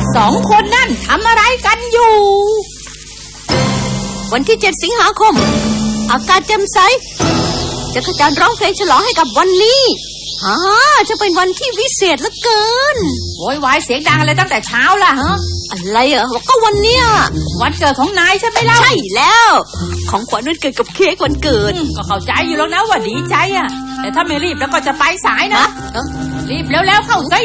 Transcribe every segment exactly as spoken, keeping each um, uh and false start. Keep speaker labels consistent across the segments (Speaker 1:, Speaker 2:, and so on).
Speaker 1: สองคนนั่นทำอะไรกันอยู่
Speaker 2: วันที่เจ็ดสิงหาคมอากาศแจ่มใสจักรจันทร์ร้องเพลงฉลองให้กับวันนี้ฮ่าจะเป็นวันที่วิเศษเหลือเกิน
Speaker 1: โวยวายเสียงดังอะไรตั้งแต่เช้าล่ะฮะ
Speaker 2: อะไรเหรอก็วันเนี้ย
Speaker 1: วันเกิดของนายใช่ไหมล่ะ
Speaker 2: ใช่แล้วของขวัญวันเกิดกับเค้กวันเกิด
Speaker 1: ก็เข้าใจอยู่แล้วนะว่าดีใจอ่ะแต่ถ้าไม่รีบแล้วก็จะไปสายนะรีบแล้วๆเข้าสิ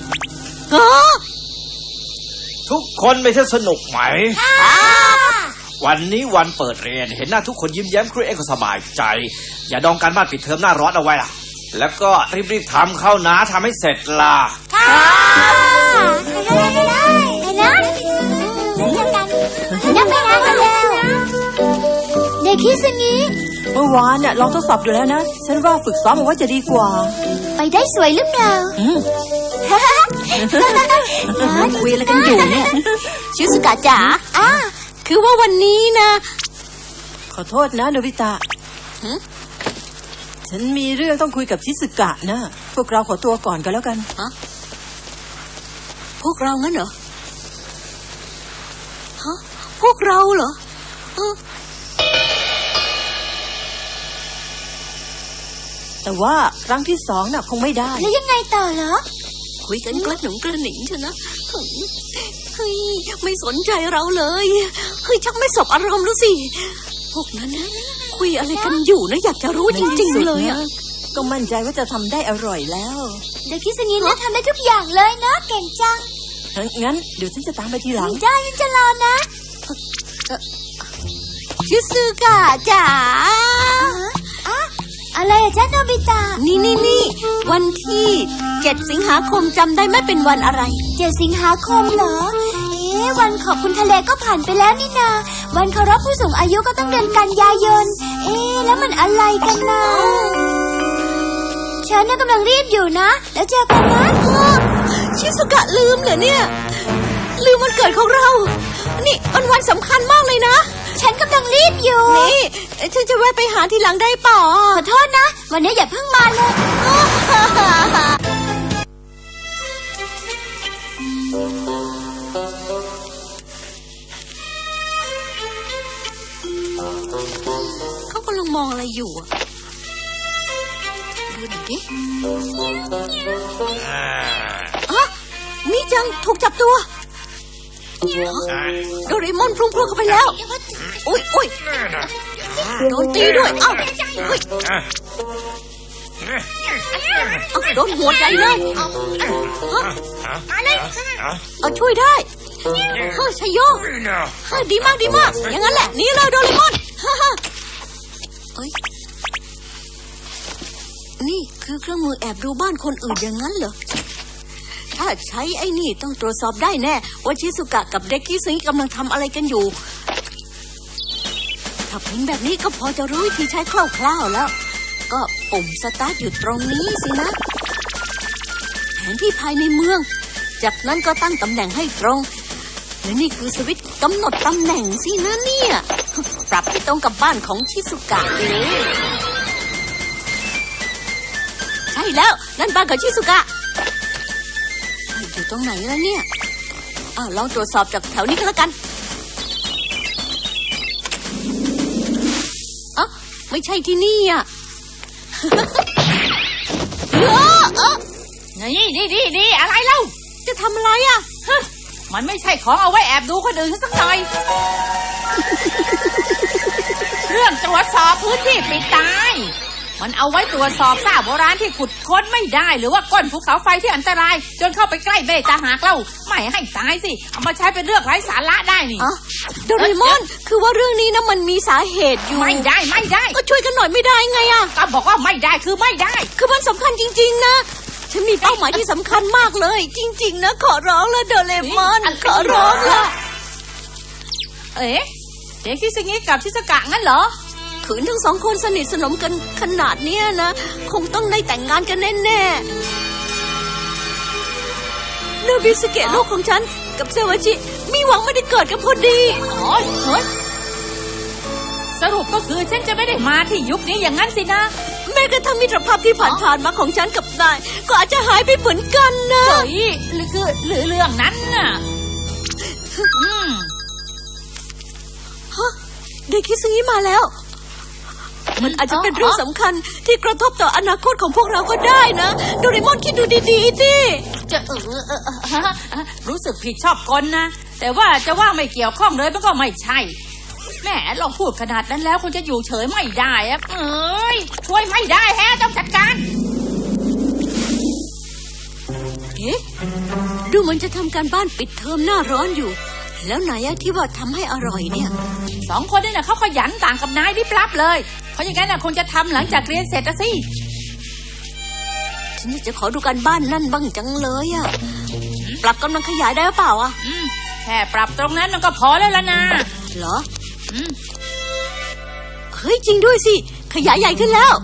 Speaker 3: ทุกคนไม่ใช่สนุกไหมวันนี้วันเปิดเรียนเห็นหน้าทุกคนยิ้มแย้มครูเอ็กก็สบายใจอย่าดองการบ้านปิดเทอมหน้าร้อนเอาไว้ล่ะแล้วก็รีบๆทำเข้านะทำให้เสร็จล่ะ
Speaker 4: ค่ะได้ได้ได้ได้นะไปกันไปกันแล้วเด็กคิดอย่างนี้
Speaker 5: เมื่อวานน่ะลองทดสอบดูแล้วนะฉันว่าฝึกซ้อมเอาไว้จะดีกว่า
Speaker 4: ไปได้สวยหรือเปล่า
Speaker 2: คุยอะไรกันอยู่เนี่ยชิซุกะจ๋าอ่ะคือว่าวันนี้นะ
Speaker 5: ขอโทษนะโนบิตะฉันมีเรื่องต้องคุยกับชิซุกะนะพวกเราขอตัวก่อนกันแล้วกัน
Speaker 2: ฮะพวกเรางั้นเหรอฮะพวกเราเหรอ
Speaker 5: แต่ว่าครั้งที่สองน่ะคงไม่ได้
Speaker 4: แล้วยังไงต่อเหรอ
Speaker 2: คุยกันกระหนุ่งกระหนิงเถอะนะเฮ้ยไม่สนใจเราเลยเฮ้ยชักไม่สบอารมณ์แล้วสิพวกนั้นนะคุยอะไรกันอยู่นะอยากจะรู้จริงๆเลยอ่ะ
Speaker 5: ก็มั่นใจว่าจะทำได้อร่อยแล้ว
Speaker 4: เด็กคิดอย่างนี้นะทำได้ทุกอย่างเลยนะเก่งจัง
Speaker 5: งั้นเดี๋ยวฉันจะตามไปทีหลัง
Speaker 4: ได้ฉันจะรอนะ
Speaker 2: ชิซุกะจ๋า
Speaker 4: อะไรอะจ๊ะโนบิตะ
Speaker 2: นี่นี่นี่วันที่เจ็ดสิงหาคมจำได้ไหมเป็นวันอะไร
Speaker 4: เจ็ดสิงหาคมเหรอเอ๊ะวันขอบคุณทะเลก็ผ่านไปแล้วนี่นาวันเคารพผู้สูงอายุก็ต้องเดือนกันยายนเอ๊ะแล้วมันอะไรกันนะฉันน่ะกำลังรีบอยู่นะแล้วเจอกันนะ
Speaker 2: ชิซุกะลืมเหรอเนี่ยลืมวันเกิดของเรานี่วันวันสำคัญมากเลยนะ
Speaker 4: ฉันกำลังรีบอยู่
Speaker 2: นี่ฉันจะแวะไปหาทีหลังได้เปล่า
Speaker 4: ขอโทษนะวันนี้อย่าเพิ่งมาเลย
Speaker 2: เขากำลังมองอะไรอยู่ดูหน่อยดิอ่ะมีจังถูกจับตัวโดเรมอนพุ่งพรวดเข้าไปแล้วอุ้ยอุ้ยโดนตีด้วยเอ้าเฮ้ยโดนหัวใจเลยเอาช่วยได้เฮ้ยชัยโยดีมากดีมากอย่างนั้นแหละนี่เลยโดเรมอนเฮ้ยนี่คือเครื่องมือแอบดูบ้านคนอื่นอย่างนั้นเหรอถ้าใช้ไอ้นี่ต้องตรวจสอบได้แน่ว่าชิซุกะกับเด็กคิซึงกำลังทำอะไรกันอยู่ถ้าเป็นแบบนี้ก็พอจะรู้วิธีใช้คร่าวๆแล้วก็ปุ่มสตาร์ทอยู่ตรงนี้สินะแผนที่ภายในเมืองจากนั้นก็ตั้งตำแหน่งให้ตรงและนี่คือสวิตช์กำหนดตำแหน่งสินะเนี่ยปรับให้ตรงกับบ้านของชิซุกะเลยใช่แล้วนั่นบ้านของชิซุกะอยู่ตรงไหนแล้วเนี่ยอ้าวลองตรวจสอบจากแถวนี้ก็แล้วกันอ๋อไม่ใช่ที่นี่อ่ะ
Speaker 1: เออเออนี่นี่นี่นี่อะไรเล่า
Speaker 2: จะทำอะไรอ่ะ
Speaker 1: มันไม่ใช่ของเอาไว้แอบดูคนอื่นสักหน่อยเรื่องตรวจสอบพื้นที่ปิดตายมันเอาไว้ตรวจสอบซากโบราณที่ขุดค้นไม่ได้หรือว่าก้นภูเขาไฟที่อันตรายจนเข้าไปใกล้เบตาหากเล่าไม่ให้ตายสิเอามาใช้เป็นเรื่องไร้สาระได้นี่
Speaker 2: อ๋อโดเรมอนคือว่าเรื่องนี้นะมันมีสาเหตุอยู่
Speaker 1: ไม่ได้ไม่ได้
Speaker 2: ก็ช่วยกันหน่อยไม่ได้ไงอ่ะ
Speaker 1: ก็บอกว่าไม่ได้คือไม่ได้
Speaker 2: คือมันสำคัญจริงๆนะฉันมีเป้าหมายที่สำคัญมากเลยจริงๆนะขอร้องละโดเรมอนขอร้องละ
Speaker 1: เอ๊ะเด็กที่ซึงิกับชิซุกะงั้นเหรอ
Speaker 2: ขืนทั้งสองคนสนิทสนมกันขนาดนี้นะคงต้องได้แต่งงานกันแน่ๆโนบิสเกะลูกของฉันกับเซวาจิมีหวังไม่ได้เกิดกันพอดี
Speaker 1: อ๋อเฮ้ยสรุปก็คือฉันจะไม่ได้มาที่ยุคนี้อย่างนั้นสินะ
Speaker 2: แม้กระทั่งมิตรภาพที่ผ่านๆมาของฉันกับนายก็อาจจะหายไปเหมือนกันนะ
Speaker 1: เฮ้ยคือหรือเรื่องนั้นน่ะอืม
Speaker 2: ฮะเด็กคิดงี้มาแล้ว มันอาจจะเป็นเรื่องสำคัญที่กระทบต่ออนาคตของพวกเราก็ได้นะโดเรมอนคิดดูดีๆสิ
Speaker 1: จะเออเออเออเออรู้สึกผิดชอบกลนะแต่ว่าจะว่าไม่เกี่ยวข้องเลยมันก็ไม่ใช่แหมลองพูดขนาดนั้นแล้วคงจะอยู่เฉยไม่ได้อะเอ้ยช่วยไม่ได้แฮะต้องจัดการ
Speaker 2: เอ๊ะดูเหมันจะทำการบ้านปิดเทอมหน้าร้อนอยู่แล้วไหนอะที่ว่าทำให้อร่อยเนี่ย
Speaker 1: สองคนนี่นะเขาขยันต่างกับนายดิบลับเลยเพราะอย่างนั้นนะคงจะทำหลังจากเรียนเสร็จนะสิ
Speaker 2: ฉันอยากจะขอดูการบ้านนั่นบ้างจังเลยอะปรับกำลังขยายได้หรือเปล่าอะ
Speaker 1: อืมแค่ปรับตรงนั้นมันก็พอแล้วล่ะนะ
Speaker 2: เหรอ
Speaker 1: อืม
Speaker 2: เฮ้ยจริงด้วยสิขยายใหญ่ขึ้นแล้ว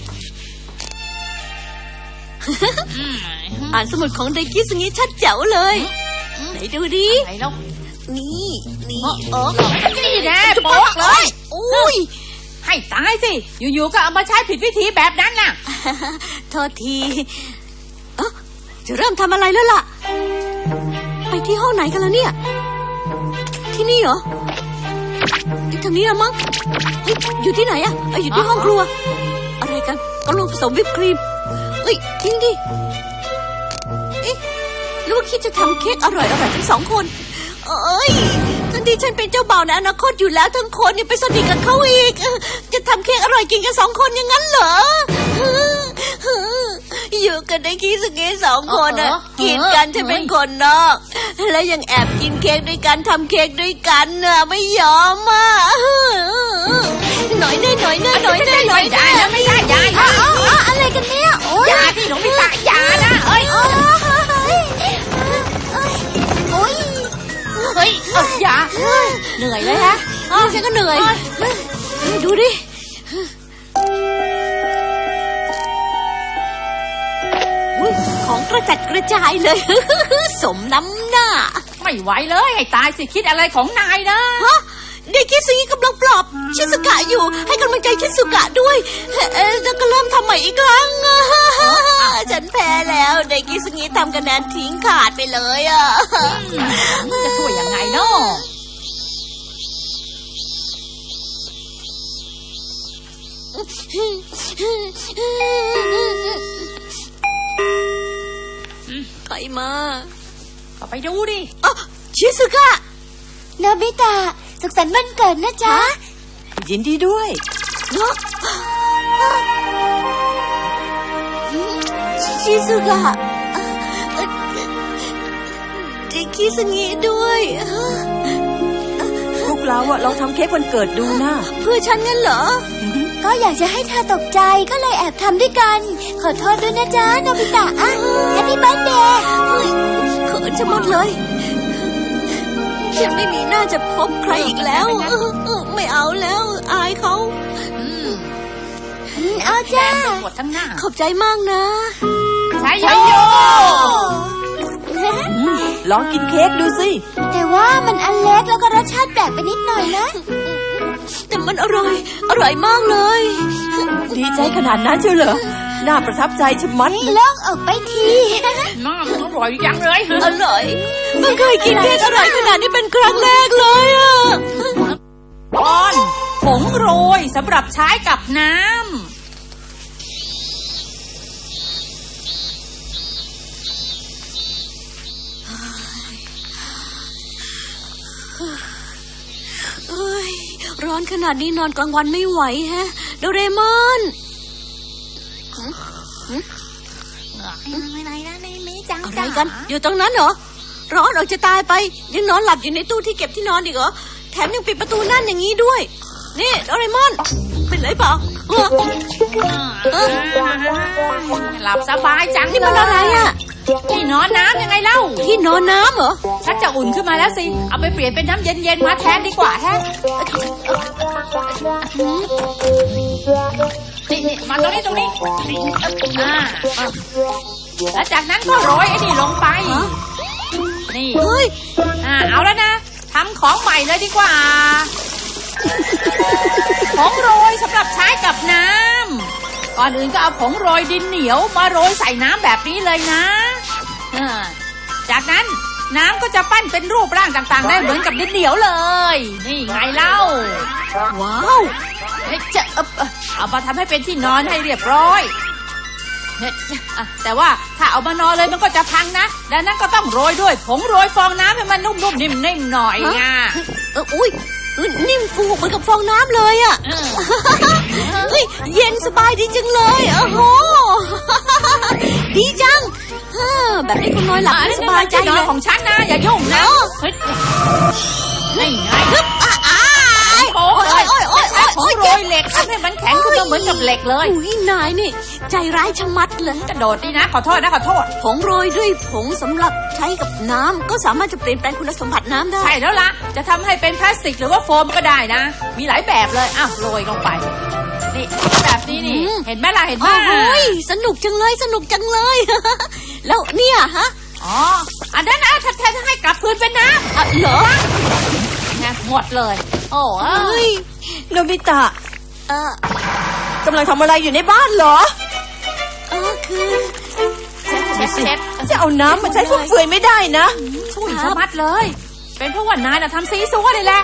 Speaker 1: อืม
Speaker 2: อ่านสมุดของเด็กคิดงี้ชัดแจ๋วเลยไหนดูดิ
Speaker 1: ไหนแล้ว
Speaker 2: นี่นี่
Speaker 1: เออนี่แน่โป๊กเลย
Speaker 2: อุ้ย
Speaker 1: ให้ตายสิอยู่ๆก็เอามาใช้ผิดวิธีแบบนั้นน่ะ
Speaker 2: โทษทีเอ๊ะจะเริ่มทำอะไรแล้วล่ะ ไปที่ห้องไหนกันแล้วเนี่ย ที่นี่เหรอที่ทางนี้ละมั้งเฮ้ยอยู่ที่ไหนอะเอ้ยอยู่ที่ห้องครัว อะไรกันกำลังผสมวิปครีมเอ้ยทิ้งดิเอ๊ะหรือว่าคิดจะทำเค้กอร่อยอร่อยทั้งสองคนเอ้ยทันทีฉันเป็นเจ้าบ่าวในอนาคตอยู่แล้วทั้งคนยังไปสนิทกับเขาอีก จะทำเค้กอร่อยกินกันสองคนอย่างนั้นเหรออยู่กันได้คิดสักแค่สองคนอะกินกันจะเป็นคนนอกและยังแอบกินเค้กด้วยกันทำเค้กด้วยกันน่ะไม่ยอมอ่ะหน่อยได้หน่อยได้หน่อยได้หน่อย
Speaker 1: ไม่ได้นะไม่ได้ยาย
Speaker 4: อะไรกันเนี่ยโอ้ย
Speaker 1: ยาที่หลงพิตะยานะเอ้ย
Speaker 4: โอ้ยโอ้ย
Speaker 1: เฮ้ยเอ้ยยาเหนื่อยเลยฮะ
Speaker 2: ฉันก็เหนื่อยดูดิของกระจัดกระจายเลย สมน้ำหน้า
Speaker 1: ไม่ไหวเลยให้ตายสิคิดอะไรของนายนะ
Speaker 2: ฮะเด็กคิดซีกำลังปลอบชิสุกะอยู่ให้กำลังใจชิสุกะด้วยเออแล้วก็เริ่มทำใหม่อีกครั้งฉันแพ้แล้วเด็กคิดซีทำคะแนนทิ้งขาดไปเลยอ่ะ
Speaker 1: จะช่วยยังไงเนาะ
Speaker 2: ใครมา
Speaker 1: ก็ไปดูดิ
Speaker 2: อ๋อชิสุกะ
Speaker 4: โนบิตะสุขสันต์วันเกิดนะจ๊ะ
Speaker 5: ยินดีด้วย
Speaker 2: เนาะชิสุกะเด็กคิดซีด้วย
Speaker 5: พวกเราอะลองทำเค้กวันเกิดดูนะ
Speaker 2: เพื่อฉันงั้นเหรอ
Speaker 4: ก็อยากจะให้เธอตกใจก็เลยแอบทำด้วยกัน ขอโทษด้วยนะจ๊ะโนบิตะอ่ะแฮปปี้เบิร์ธเดย์
Speaker 2: เฮ้ยเขินจะหมดเลย ฉันไม่มีหน้าจะพบใครอีกแล้ว ไม่เอาแล้วอายเขา
Speaker 1: อืม
Speaker 4: เอาจ้า
Speaker 1: ปวดทั้งหน้า
Speaker 2: ขอบใจมากนะ
Speaker 1: ใช่โยโย
Speaker 5: ลองกินเค้กดูสิ
Speaker 4: แต่ว่ามันอันเล็กแล้วก็รสชาติแปลกไปนิดหน่อยนะ
Speaker 2: แต่มันอร่อย อร่อยมากเลย
Speaker 5: ดีใจขนาดนั้นเชียวเหรอ น่าประทับใจชะมัด
Speaker 4: โล่งออกไปที
Speaker 1: น้ำอร่อยยังเลย
Speaker 2: อร่อยเพิ่งเคยกินเค้กอร่อยขนาดนี้เป็นครั้งแรกเลยอ่ะ
Speaker 1: ตอนผงโรยสำหรับใช้กับน้ำ
Speaker 2: เอ้ยร้อนขนาดนี้นอนกลางวันไม่ไหวแฮะโดเรมอน
Speaker 4: อะไรนะไม่ไม่จัง
Speaker 2: อะไรกัน อยู่ตรงนั้นเหรอ ร้อนออกจะตายไป ยังนอนหลับอยู่ในตู้ที่เก็บที่นอนอีกเหรอ แถมยังปิดประตูนั่นอย่างนี้ด้วย นี่โดเรมอน เป็นไรเปล่าเออเออ
Speaker 1: หลับสบายจัง
Speaker 2: นี่มันอะไรอ่ะ
Speaker 1: ที่นอนน้ำยังไงเล่า
Speaker 2: ที่นอนน้ำเหรอ
Speaker 1: ชักจะอุ่นขึ้นมาแล้วสิ เอาไปเปลี่ยนเป็นน้ำเย็นๆมาแทนดีกว่าแฮะนี่นี่มาตรงนี้ตรงนี้อ่าแล้วจากนั้นก็โรยไอ้นี่ลงไป นี่
Speaker 2: เฮ้ย
Speaker 1: อ่าเอาแล้วนะทำของใหม่เลยดีกว่าผงโรยสำหรับใช้กับน้ำก่อนอื่นก็เอาผงโรยดินเหนียวมาโรยใส่น้ำแบบนี้เลยนะอ่าจากนั้นน้ำก็จะปั้นเป็นรูปร่างต่างๆได้เหมือนกับดินเหนียวเลย นี่ไงเล่า
Speaker 2: ว้าว
Speaker 1: เอ๊ะจะเอ่อเอ่อเอามาทำให้เป็นที่นอนให้เรียบร้อยเนี่ยอ่ะแต่ว่าถ้าเอามานอนเลยมันก็จะพังนะดังนั้นก็ต้องโรยด้วยผงโรยฟองน้ำให้มันนุ่มๆนิ่มๆหน่อยไง
Speaker 2: เอออุ้ยเออนิ่มฟูเหมือนกับฟองน้ำเลยอ่ะ
Speaker 1: เออ
Speaker 2: เฮ้ยเย็นสบายดีจังเลยโอ้โห ดีจังเออแบบนี้คุณน้อยหลับ
Speaker 1: อัน
Speaker 2: ไม่
Speaker 1: นี้
Speaker 2: ส
Speaker 1: มัน
Speaker 2: บายใจ
Speaker 1: ที่นอ
Speaker 2: เล
Speaker 1: น
Speaker 2: ย
Speaker 1: ของฉันนะอย่ายุ่งนะเฮ้ยนี่ไง
Speaker 2: อ้าอ้า
Speaker 1: โอ้
Speaker 2: โอ้ย
Speaker 1: ย
Speaker 2: โอ้ยโอ้ย
Speaker 1: ใช้
Speaker 2: โอ้ย
Speaker 1: ผงโรยเหล็กทำให้มันแข็งขึ้นมาเหมือนกับเหล็กเลย
Speaker 2: อุ้ยนายนี่ ใจร้ายชะมัดเลย
Speaker 1: กระโดดดีนะขอโทษนะขอโทษ
Speaker 2: ผงโรยด้วยผงสำหรับใช้กับน้ำก็สามารถจะเปลี่ยนแปลงคุณสมบัติน้ำได้
Speaker 1: ใช่แล้วล่ะจะทำให้เป็นพลาสติกหรือว่าโฟมก็ได้นะ มีหลายแบบเลยอ้าวโรยลงไปนี่แบบนี้นี่เห็นไหมล่ะเห็นไหม
Speaker 2: โอ้ยสนุกจังเลยสนุกจังเลย แล้วเนี่ยฮะ
Speaker 1: อ๋ออันนั้นนะถ้าถ้าให้กลับคืนเป็นน้ำ
Speaker 2: อ่ะเหรอ
Speaker 1: ไงหมดเลย โอ้
Speaker 2: เฮ้ย
Speaker 5: โนบิตะ
Speaker 2: เออก
Speaker 5: ำลังทำอะไรอยู่ในบ้านเหรอ
Speaker 2: เออคือ
Speaker 1: เช็ดเช็ดเช็ด
Speaker 5: จะเอาน้ำมาใช้ฟุ่มเฟือยไม่ได้นะ
Speaker 1: ช่วยสมัดเลย เป็นเพราะว่านายน่ะทำซีซัวเลยแหละ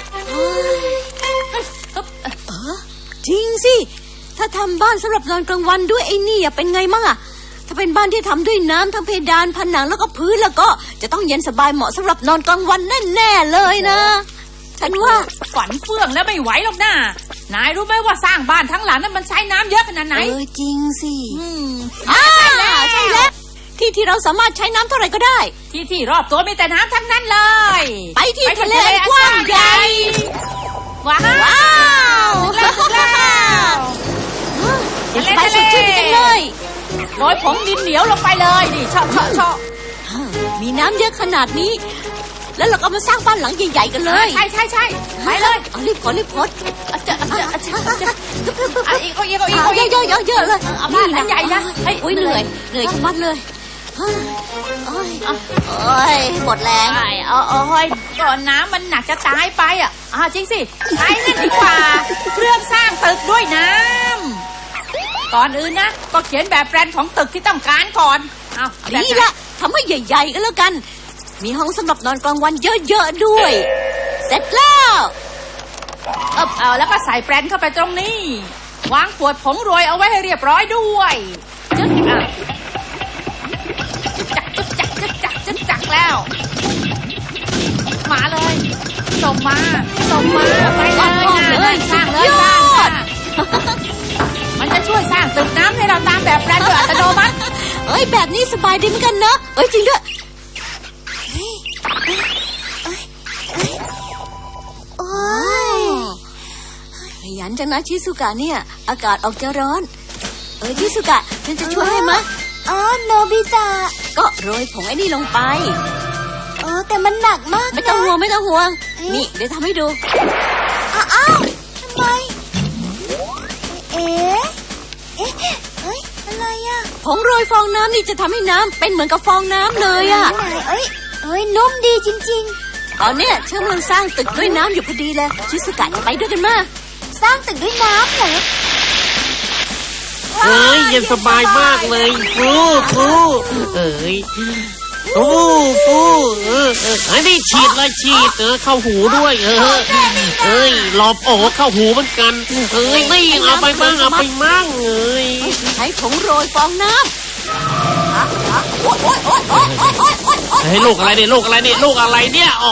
Speaker 2: จริงสิ ถ้าทำบ้านสำหรับนอนกลางวันด้วยไอ้นี่อะเป็นไงมั่งอะถ้าเป็นบ้านที่ทำด้วยน้ำทั้งเพดานผนังแล้วก็พื้นแล้วก็จะต้องเย็นสบายเหมาะสำหรับนอนกลางวันแน่ๆเลยนะ ฉันว่า
Speaker 1: ฝันเฟื่องแล้วไม่ไหวหรอกนะนายรู้ไหมว่าสร้างบ้านทั้งหลังนั้นมันใช้น้ำเยอะขนาดไหน
Speaker 2: เออจริงสิ
Speaker 1: อืม
Speaker 2: อ่าใช่แล้วใช่แล้วที่ที่เราสามารถใช้น้ำเท่าไหร่ก็ได้
Speaker 1: ที่ที่รอบตัวมีแต่น้ำทั้งนั้นเลย
Speaker 2: ไปที่ทะเลกว้างใหญ่
Speaker 1: ว้าว
Speaker 2: ว้าว
Speaker 1: แล้วแล้ว
Speaker 2: เย็นสบายสดชื่นจังเลย
Speaker 1: โรยผงดินเหนียวลงไปเลยนี่ชอบชอบชอบ
Speaker 2: มีน้ำเยอะขนาดนี้ แล้วเราก็มาสร้างบ้านหลังใหญ่ๆกันเลย
Speaker 1: ใช่ใช่ใช่ไปเลย
Speaker 2: เอารีบขอรีบขอ
Speaker 1: อาจจะอาจจะอาจจะอาจจะอ่ะอีกเอาอีกเอาอีก
Speaker 2: เอา
Speaker 1: เอา
Speaker 2: เย
Speaker 1: อี
Speaker 2: อะ
Speaker 1: ก
Speaker 2: เยอะเยอะๆเลย
Speaker 1: เอาบ้านหลังใหญ่นะ
Speaker 2: เฮ้ยอุ้ยเหนื่อยเหนื่อยชะมัดเลยเฮ้ยโอ้ยโอ้ยหมดแรง
Speaker 1: ใช่เอาเอาห้อยก่อนน้ำมันหนักจะตายไปอ่ะอ่าจริงสิใช้นั่นดีกว่าเครื่องสร้างตึกด้วยน้ำก่อนอื่นนะก็เขียนแบบแปลนของตึกที่ต้องการก่อนเอาแบบ
Speaker 2: ดีละทำให้ใหญ่ๆกันแล้วกัน มีห้องสำหรับนอนกลางวันเยอะๆด้วย เสร็จแล้ว
Speaker 1: เออเอาแล้วก็ใส่แปลนเข้าไปตรงนี้ วางขวดผงโรยเอาไว้ให้เรียบร้อยด้วยจึ๊กอ่ะจึ๊กจักจึ๊กจักจึ๊กจักจึ๊กจักแล้ว มาเลยส่งมาส่งมาไปเลยนะเลยสร้างเลยสร้างค่ะมันจะช่วยสร้างตึกน้ำให้เราตามแบบแปลนโดยอัตโนมัติ
Speaker 2: เอ้ยแบบนี้สบายดีเหมือนกันเนอะเอ้ยจริงด้วย
Speaker 4: โอ้ย
Speaker 2: ขยันจังนะชิสุกะเนี่ย อากาศออกจะร้อน เออชิสุกะฉันจะช่วยให้มะ
Speaker 4: อ๋อโนบิตะ
Speaker 2: ก็โรยผงไอ้นี่ลงไป
Speaker 4: เออแต่มันหนักมาก
Speaker 2: ไม่ต้องห่วง
Speaker 4: นะ
Speaker 2: ไม่ต้องห่วง นี่เดี๋ยวทำให้ดู
Speaker 4: อ้าวอ้าวทำไม เอ๊ะ เอ๊ะเอ้ยอะไรอ่ะ
Speaker 2: ผงโรยฟองน้ำนี่จะทำให้น้ำเป็นเหมือนกับฟองน้ำเลยอะ
Speaker 4: ไหนเอ้ยเอ้ยนุ่มดีจริง
Speaker 2: ตอนเนี้ยฉันกำลังสร้างตึกด้วยน้ำอยู่พอดีเลยชิสุกะจะไปด้วยกันมา
Speaker 4: ๆ สร้างตึกด้วยน้ำเหรอ
Speaker 6: เอ้ยเย็นสบายมากเลยฟูฟูเอ้ยฟูฟูเออเอออันนี้ฉีดเลยฉีดเออเข้าหูด้วย เออเอ้ยหลอบโอ้เข้าหูเหมือนกันเอ้ยนี่เอาไปมั่งเอาไปมั่งเอ้ย
Speaker 2: ใช้ผงโรยฟองน้ำโอ๊ยโอ๊ยโอ๊ยโอ๊ยโอ๊ยโอ๊ยโอ๊ยโอ๊ย
Speaker 6: เฮ้ยลูกอะไรเนี่ยลูกอะไรเนี่ยลูกอะไรเนี่ยอ๋อ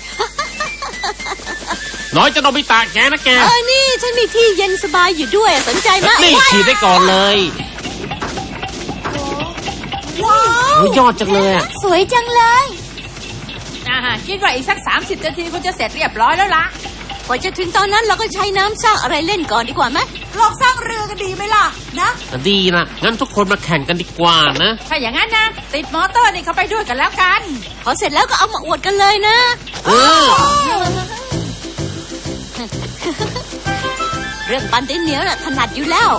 Speaker 6: น้อยจะโนบิตะแกนะแก
Speaker 2: เออนี่ฉันมีที่เย็นสบายอยู่ด้วยสนใจไหม
Speaker 6: นี่ฉีดได้ก่อนเลย
Speaker 4: ว้าว
Speaker 6: โอ้ยยอดจังเลยอ่ะ
Speaker 4: สวยจังเลย
Speaker 1: อ่าคิดว่าอีกสักสามสิบนาทีคงจะเสร็จเรียบร้อยแล้วล่ะ
Speaker 2: กว่าจะถึงตอนนั้นเราก็ใช้น้ำสร้างอะไรเล่นก่อนดีกว่าไหม
Speaker 1: ลองสร้างเรือกันดีไหมล่ะนะ
Speaker 6: ดีนะงั้นทุกคนมาแข่งกันดีกว่านะ
Speaker 1: ถ้าอย่างนั้นนะติดมอเตอร์นี่เข้าไปด้วยกันแล้วกัน
Speaker 2: พอเสร็จแล้วก็เอามาอวดกันเลยนะ
Speaker 6: เออ
Speaker 2: เรื่องปั้นดินเหนียวน่ะถนัดอยู่แล้ว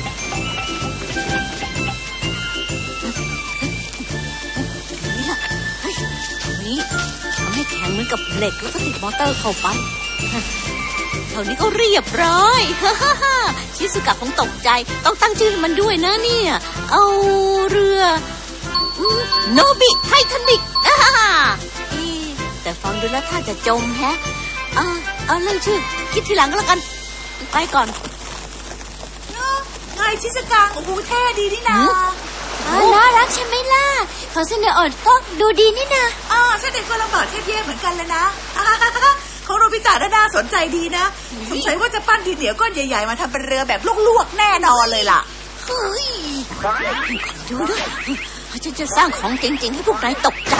Speaker 2: นี่ล่ะเฮ้ยนี่ทำให้แข็งเหมือนกับเหล็กแล้วก็ติดมอเตอร์เข้าไปเท่านี้ก็เรียบร้อย ชิสุกะคงตกใจต้องตั้งชื่อให้มันด้วยนะเนี่ย เอาเรืออืมโนบิไททานิก อ่าฮ่าฮ่า
Speaker 4: เอ๊
Speaker 2: ดูแล้วถ้าจะจมแฮะเอาเอาเรื่องชื่อคิดทีหลังก็แล้วกันไปก่อน
Speaker 7: ไงชิสกังโอ้โหเท่ดีนี่นา
Speaker 4: อ๋อน่ารักใช่ไหมล่ะของเสนออดก็ดูดีนี่นะ
Speaker 7: อ่าฉันเองก็ลำบากเท่ๆเหมือนกันเลยนะอ่าของโนบิตะน่าสนใจดีนะสงสัยว่าจะปั้นดินเหนียวก้อนใหญ่ๆมาทำเป็นเรือแบบลวกๆแน่นอนเลยล่ะ
Speaker 2: เฮ้ยดูดูฉันจะสร้างของเจ๋งๆให้พวกนายตกใจ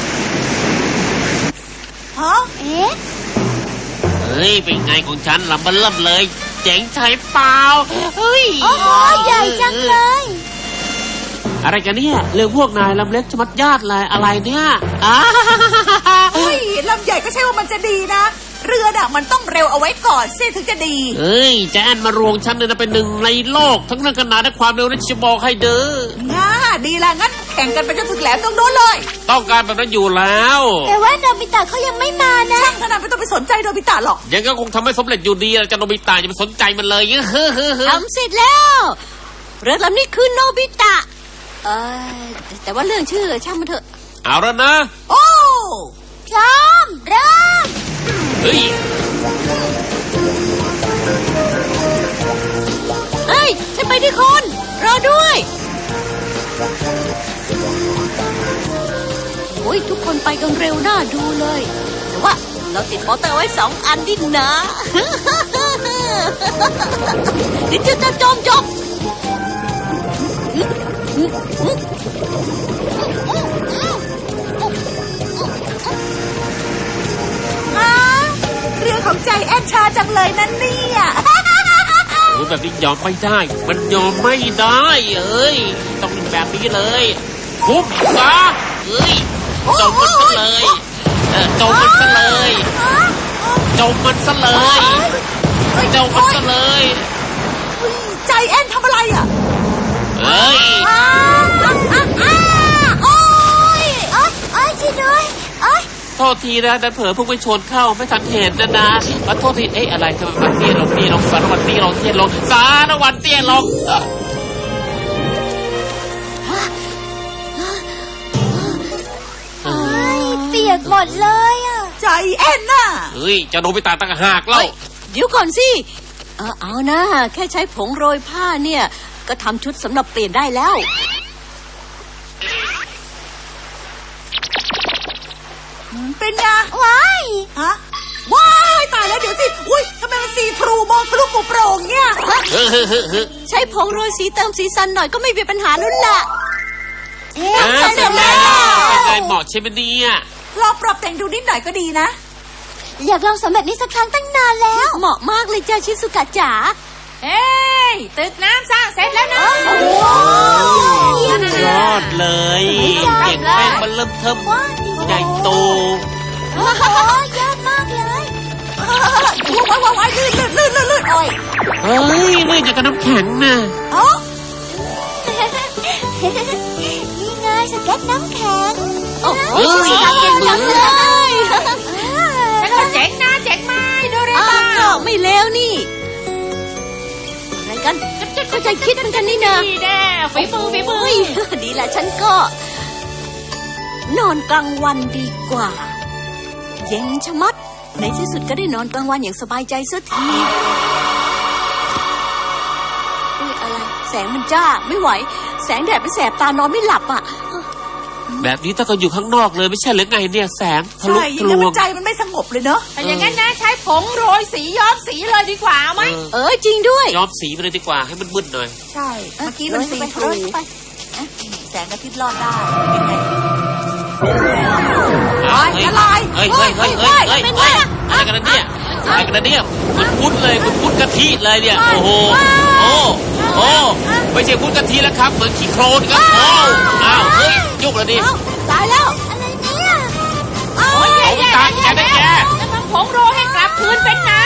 Speaker 7: ฮะ
Speaker 4: เอ๊ะ
Speaker 6: เฮ้ยเป็นไงของฉันลำเบิ่มเลย เจ๋งใช่เปล่าเฮ้ย
Speaker 4: โอ้โหใหญ่จังเลย
Speaker 6: อะไรกันเนี่ยเรื่องพวกนายลำเล็กชะมัดญาติเลยอะไรเนี่ยอ้า
Speaker 7: เฮ้ยลำใหญ่ก็ใช่ว่ามันจะดีนะ เรือน่ะมันต้องเร็วเอาไว้ก่อนสิถึงจะดี
Speaker 6: เฮ้ยแจนมารวงฉันเลยนะเป็นหนึ่งในโลกทั้งเรื่องขนาดและความเร็วนี่จะบอกให้เด้อ
Speaker 7: ง่าดีละงั้นแข่งกันไปจนถึงแหลมตรงโน้นเลย
Speaker 6: ต้องการแบบนั้นอยู่แล้ว
Speaker 4: แต่ว่าโนบิตะเขายังไม่มานะ
Speaker 7: ช่างขนาดไม่ต้องไปสนใจโนบิตะหรอก
Speaker 6: ยังก็คงทำให้สำเร็จอยู่ดีจะโนบิตะอย่าไปสนใจมันเลยเฮ้อเฮ้อเฮ้อ
Speaker 2: ทำเสร็จแล้วเรือลำนี้คือโนบิตะเออแต่ว่าเรื่องชื่อช่างมันเถอะ
Speaker 6: เอาแล้วนะ
Speaker 7: โอ้
Speaker 4: พร้อมเริ่ม
Speaker 6: เฮ้ย
Speaker 2: เฮ้ยฉันไปที่คนรอด้วยโอ้ยทุกคนไปกันเร็วน่าดูเลยแต่ว่าเราติดมอเตอร์ไว้สองอันดินะ เดี๋ยวจะจมจม
Speaker 7: อาเรือของใจแอนชาจังเลยนั่นเนี่ย
Speaker 6: โอ้แบบนี้ยอมไม่ได้ มันยอมไม่ได้เอ้ยต้องเป็นแบบนี้เลยทุบซะเอ้ยจมมันซะเลยเออจมมันซะเลยจมมันซะเลยจมมันซะเลย
Speaker 7: ใจแอนทำอะไรอ่ะ
Speaker 6: เอ้ย
Speaker 4: อ้าอ้าอ้าอ้าโอ้ยโอ้ยโอ้ยช่วยด้วยโอ้ย
Speaker 6: โทษทีนะดันเผลอพุ่งไปชนเข้าไม่ทันเห็นนะนะขอโทษทีเอ๊ะอะไรทำไมมันเตี้ยลงเตี้ยลงสารวัตรเตี้ยลงเตี้ยลงสารวัตรเตี้ยลงเอ่อ
Speaker 4: โอ้ยเปียกหมดเลยอ่ะ
Speaker 7: ใจแอนน่ะ
Speaker 6: เฮ้ยจะโดนไปตาตั้งหากเล่า
Speaker 2: เดี๋ยวก่อนสิเออเอานะแค่ใช้ผงโรยผ้าเนี่ยก็ทำชุดสำหรับเปลี่ยนได้แล้ว
Speaker 7: เป็นไง
Speaker 4: ว้าย
Speaker 7: ฮะว้ายตายแล้วเดี๋ยวสิอุ้ยทำไมมันซีทรูมองทะลุปุโปร่งเนี่ย
Speaker 6: เฮ้ยเฮ้ยเฮ้ยเฮ้ย
Speaker 2: ใช้ผงโรยสีเติมสีสันหน่อยก็ไม่มีปัญหาแล้วล่ะ
Speaker 4: เอ๊ะ
Speaker 6: อ่า
Speaker 4: ใช่
Speaker 6: เสร็จ
Speaker 4: แล้
Speaker 6: แล้วเป็นไง
Speaker 4: ว
Speaker 6: เหมาะใช่ไหมเนี่ย
Speaker 7: ลองปรับแต่งดูนิดหน่อยก็ดีนะ
Speaker 4: อยากลองสำแบบนี้สักครั้งตั้งนานแล้ว
Speaker 2: เหมาะมากเลยจ้าชิสุกะจ๋า
Speaker 1: เฮ้ยตึกน้ำสร้างเสร็จแล้วนะ
Speaker 6: ยอดเลยเก่งแม่งมันเริ่มเทิมใหญ่โต
Speaker 4: โอ้โหยอดมากเลย
Speaker 7: ว้ายว้ายว้ายลื่นลื่นลื่นลื่นลื่นโอ้ย
Speaker 6: เฮ้ยลื่นอย่างกับน้ำแข็งน่ะ
Speaker 7: เอ้า
Speaker 4: นี่ไงสเก็ตน้ำแข็ง
Speaker 2: โอ้โห
Speaker 6: เฮ้ย
Speaker 2: เก่งจังเลย
Speaker 1: ฉันก็เจ๋งนะเจ๋งไหมโดเร
Speaker 2: อ้าม
Speaker 1: อน
Speaker 2: วไม่เลวนี่ อะไรกันก็ใจคิดเหมือนกันนี่นะ
Speaker 1: ดีแน่ฝีมือฝีมือ
Speaker 2: เฮ้ยดีแหละฉันก็ นอนกลางวันดีกว่า เย็นชะมัด ในที่สุดก็ได้นอนกลางวันอย่างสบายใจสักทีอุ้ยอะไร แสงมันจ้าไม่ไหว แสงแดดไปแสบตานอนไม่หลับอ่ะ
Speaker 6: แบบนี้ถ้าก็อยู่ข้างนอกเลยไม่ใช่หรือไงเนี่ยแสงทะลุ
Speaker 7: ใช่อ
Speaker 6: ทะ
Speaker 7: ย่าง
Speaker 6: ล
Speaker 7: นั้น
Speaker 6: ว
Speaker 7: มั
Speaker 6: ง
Speaker 7: นใจมันไม่สงบเลยเนอะ
Speaker 1: แต่อย่างนั้นนะใช้ผงโรยสีย้อมสีเลยดีกว่าไหม
Speaker 6: เออ
Speaker 2: เออจริงด้วย
Speaker 6: ย้อมสีไปเลยดีกว่าให้มันมืดหน่อย
Speaker 7: ใช่ เมื่อกี้มันซีทรู
Speaker 2: โรยไป
Speaker 7: แสงอาทิตย์รอดได้เป็นไง
Speaker 6: อ้าว
Speaker 7: เฮ้ยอะไร
Speaker 6: เฮ้ยเฮ้ยเฮ้ยเฮ้ยเฮ้ย
Speaker 2: เป็น
Speaker 6: เฮ้ย
Speaker 2: ไงอะ
Speaker 6: อะไรกันนะเนี่ยอะไรกันนะเนี่ยคุณพุทธเลยคุณพุทธกะทิเลยเนี่ยโอ้โหโอ้โอ้ไม่ใช่พุทธกะทิแล้วครับเหมือนขี้โคลนครับโอ้อ้าวเฮ้ยยุบเลยดิ
Speaker 2: เอ้าตายแล้ว
Speaker 4: อะไรเนี่ย
Speaker 1: โอ้ยแย่
Speaker 6: เอา
Speaker 1: แย่
Speaker 6: ตามแก
Speaker 1: แย่
Speaker 6: นะแก
Speaker 1: แล้วทำผงโรยให้กลับคืนเป็นน้